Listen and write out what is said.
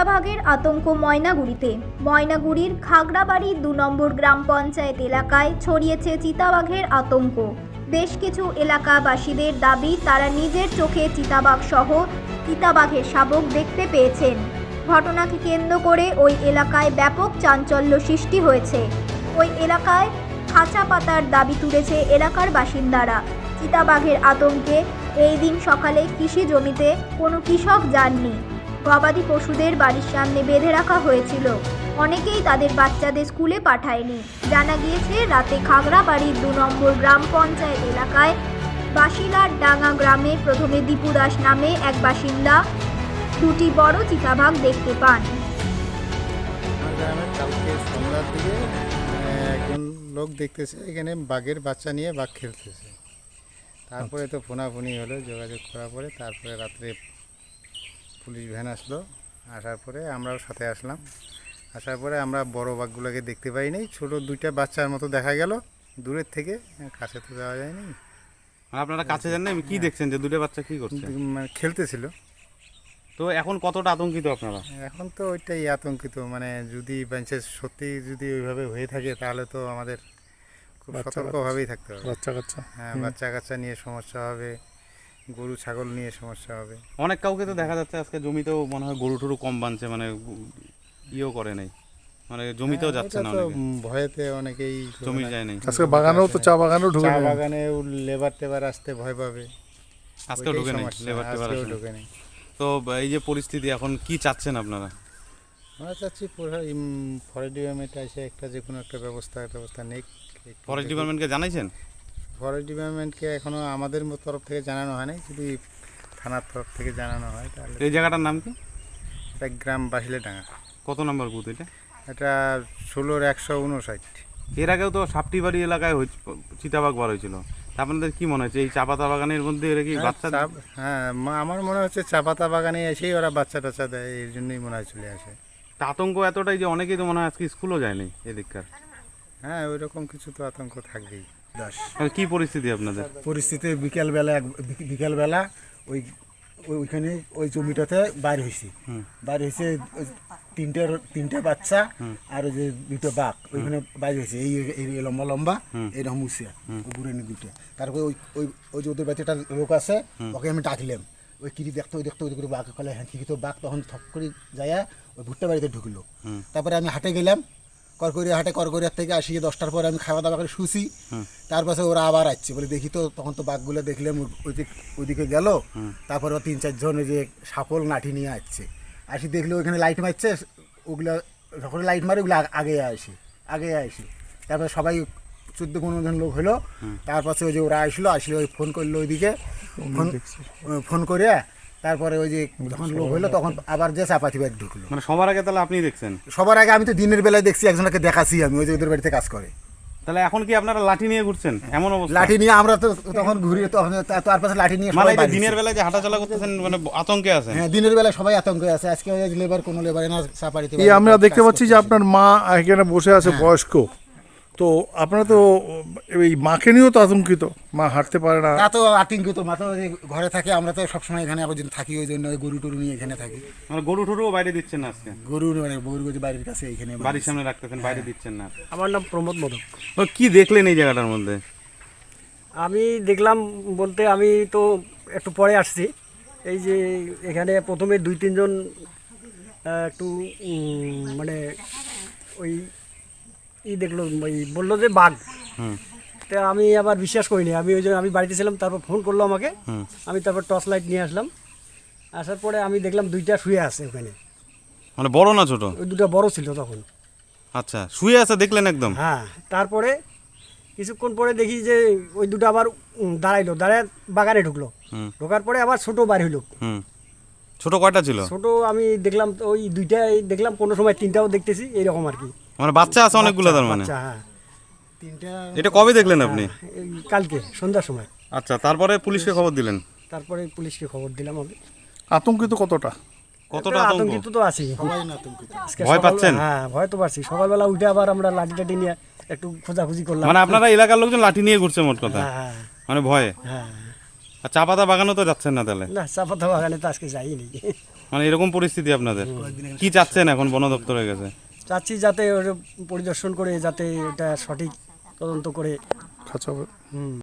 চিতাবাঘের আতঙ্ক ময়নাগুড়িতে। ময়নাগুড়ির খাগড়াবাড়ি ২ নম্বর গ্রাম পঞ্চায়েত এলাকায় ছড়িয়েছে চিতাবাঘের আতঙ্ক। বেশ কিছু এলাকাবাসীদের দাবি, তারা নিজের চোখে চিতাবাঘ সহ চিতাবাঘের শাবক দেখতে পেয়েছেন। ঘটনাকে কেন্দ্র করে ওই এলাকায় ব্যাপক চাঞ্চল্য সৃষ্টি হয়েছে। ওই এলাকায় খাঁচা পাতার দাবি তুলেছে এলাকার বাসিন্দারা। চিতাবাঘের আতঙ্কে এই দিন সকালে কৃষি জমিতে কোনো কৃষক যাননি। গবাদি পশুদের বাড়ির সামনে বেঁধে রাখা হয়েছিল। অনেকেই তাদের বাচ্চাদের স্কুলে পাঠায়নি। জানা গিয়েছে, রাতে খাগড়াবাড়ির ২ নম্বর গ্রাম পঞ্চায়েত এলাকায় বাসিলার ডাঙ্গা গ্রামে প্রথমে দীপু দাস নামে এক বাসিন্দা দুটি বড় চিতাবাঘ দেখতে পান। কালকে সন্ধ্যার দিকে একজন লোক দেখতেছে এখানে বাঘের বাচ্চা নিয়ে বাঘ খেলতেছে। তারপরে তো ফোনাফুনি হলো, যোগাযোগ করার পরে তারপরে রাত্রে পুলিশ ভ্যান আসলো। আসার পরে আমরাও সাথে আসলাম। আসার পরে আমরা বড় বাঘগুলোকে দেখতে পাইনি, ছোট দুইটা বাচ্চার মতো দেখা গেল দূরের থেকে, কাছে তো যাওয়া যায়নি। আপনারা কাছে যান না, কি দেখছেন যে দুটো বাচ্চা কি করছে? মানে খেলতেছিল। তো এখন কতটা আতঙ্কিত আপনারা? এখন তো ওইটাই আতঙ্কিত, মানে যদি বাঞ্চে সত্যি যদি ওইভাবে হয়ে থাকে তাহলে তো আমাদের খুব সতর্কভাবেই থাকতে হবে। হ্যাঁ, বাচ্চা কাচ্চা নিয়ে সমস্যা হবে, গরু ছাগল নিয়ে সমস্যা হবে। অনেক কাউকে তো দেখা যাচ্ছে আজকে জমিতেও মনে হয় গরু টরু কম বাঁধছে, মানে ইয়েও করে নাই, মানে জমিতেও যাচ্ছে না, ভয়েতে অনেকেই জমি যায় নাই। আজকে বাগানেও তো চা বাগানেও ঢুকে চা বাগানে লেবার টেবার আসতে ভয় পাবে, আজকেও ঢুকে নেই, লেবার টেবার ঢুকে নেই। তো এই যে পরিস্থিতি, এখন কি চাচ্ছেন আপনারা? আমরা চাচ্ছি ফরেস্ট ডিপার্টমেন্ট এসে একটা যে কোনো একটা ব্যবস্থা নেই। ফরেস্ট ডিপার্টমেন্টকে জানাইছেন? ফরেস্ট ডিপার্টমেন্টকে এখনও আমাদের তরফ থেকে জানানো হয় নাই, যদি থানার তরফ থেকে জানানো হয় তাহলে। এই জায়গাটার নাম কি? এটা গ্রাম বাসিলাডাঙ্গা। কত নম্বর বুথ এটা? এটা ১৬/১৫৯। এর আগেও তো সাপটিবাড়ি এলাকায় চিতাবাঘ বার হয়েছিল। আপনাদের কি মনে হচ্ছে এই চা পাতা বাগানের মধ্যে এরা কি বাচ্চা? হ্যাঁ, আমার মনে হচ্ছে চা পাতা বাগানে এসেই ওরা বাচ্চা টাচ্চা দেয়, এর জন্যই মনে হয় চলে আসে। তা আতঙ্ক এতটাই যে অনেকেই তো মনে হয় আজকে স্কুলও যায়নি এদিককার। হ্যাঁ, ওই রকম কিছু তো আতঙ্ক থাকবেই। কি পরিস্থিতি আপনাদের? পরিস্থিতি বিকেলবেলা ওইখানে ওই জমিটাতে বাইর হয়েছি, তিনটে বাচ্চা আর ওই যে দুটো বাঘ ওইখানে বাইর হয়েছে, এই লম্বা লম্বা এইরকম উচিয়া বুড়ানি দুটো। তারপরে ওই যে ওদের বাচ্চাটা লোক আছে, ওকে আমি ডাকলাম, ওই কিরি দেখতো ওই করে বাঘ ফেলে, হ্যাঁ ঠিকই তো বাঘ তখন থপ করে যায় ওই ভুট্টা বাড়িতে ঢুকলো। তারপরে আমি হাটে গেলাম, করকরিয়ার থেকে আসি 10টার পরে আমি খাওয়া দাওয়া করে শুছি। তারপরে ওরা আবার আসছে বলে দেখি, তো তখন তো বাঘগুলো দেখলাম ওইদিকে গেল। তারপরে 3-4 জন ওই যে সাপল লাঠি নিয়ে আসছে, আসি দেখলে ওইখানে লাইট মারছে, ওগুলো যখন লাইট মারে ওগুলো আগে আসে। তারপরে সবাই 14-15 জন লোক হলো। তারপরে ওই যে ওরা আসলো ওই ফোন করলো ওইদিকে, ফোন করে তারপরে ওই যে যখন লোক হইলো তখন আবার যে চাপাতি বাড়ি ঢুকলো। মানে সবার আগে তাহলে আপনি দেখছেন? সবার আগে আমি তো দিনের বেলায় দেখছি, একজনকে দেখাচ্ছি আমি, ওই যে ওদের বাড়িতে কাজ করে। তাহলে এখন কি আপনারা লাঠি নিয়ে ঘুরছেন এমন অবস্থা? লাঠি নিয়ে আমরা তো তখন ঘুরি, তখন তার পাশে লাঠি নিয়ে মানে দিনের বেলায় যে হাঁটাচলা করতেছেন মানে আতঙ্কে আছেন? হ্যাঁ, দিনের বেলায় সবাই আতঙ্কে আছে। আজকে কোনো লেবার না চাপাড়িতে আমরা দেখতে পাচ্ছি যে আপনার মা এখানে বসে আছে, বয়স্ক। তো আপনারা তো এই মাকে নিয়েও তো আতঙ্কিত, মা হাঁটতে পারে না। তা তো আতঙ্কিত, মা তো ঘরে থাকে, আমরা তো সবসময় এখানে আবার থাকি, ওই জন্য গরু টরু নিয়ে এখানে থাকি। মানে গরু টরুও বাইরে দিচ্ছেন না আজকে? গরু বাড়ির কাছে এখানে বাড়ির সামনে রাখতেছেন, বাইরে দিচ্ছেন না? আমার নাম প্রমোদ মোদক। কি দেখলেন এই জায়গাটার মধ্যে? আমি দেখলাম বলতে, আমি তো একটু পরে আসছি। এই যে এখানে প্রথমে 2-3 জন একটু মানে ওই দেখলো, ওই বললো যে বাঘ। তা আমি আবার বিশ্বাস করিনি, আমি বাড়িতে ছিলাম। তারপর ফোন করলো আমাকে, আমি তারপর টর্চ লাইট নিয়ে আসলাম। আসার পরে আমি দেখলাম 2টা শুয়ে আছে ওখানে। মানে বড় না ছোট? ওই 2টা বড় ছিল তখন। আচ্ছা, শুয়ে আছে দেখলেন একদম? হ্যাঁ, তারপরে কিছুক্ষণ পরে দেখি যে ওই 2টা আবার দাঁড়ায় বাগানে ঢুকলো। ঢোকার পরে আবার ছোট বার হইলো। ছোট কয়টা ছিল? ছোট আমি দেখলাম ওই 2টাই দেখলাম, কোনো সময় 3টাও দেখতেছি, এইরকম আর কি। মানে বাচ্চা আছে অনেকগুলো তার মানে? হ্যাঁ, 3টা। এটা কবে দেখলেন আপনি? কালকে সন্ধ্যার সময়। আচ্ছা, তারপরে পুলিশকে খবর দিলেন? তারপরে পুলিশকে খবর দিলাম আমি। আতঙ্কিত কতটা আতঙ্কিত তো আছি, ভয় পাচ্ছেন? হ্যাঁ, ভয় তো পাচ্ছি। সকালবেলা উঠে আবার আমরা লাঠি টাঠি নিয়ে একটু খোঁজাখুঁজি করলাম। মানে আপনারা এলাকার লোকজন লাঠি নিয়ে ঘুরছে মোট কথা? হ্যাঁ, মানে ভয়ে? হ্যাঁ। আর চা পাতা বাগানও তো যাচ্ছেন না তাহলে? না, চা পাতা বাগানে তো আজকে যাইনি। মানে এরকম পরিস্থিতি আপনাদের, কি চাচ্ছেন এখন বন দপ্তরের কাছে? চাচ্ছি যাতে ওটা পরিদর্শন করে যাতে এটা সঠিক তদন্ত করে খাঁচা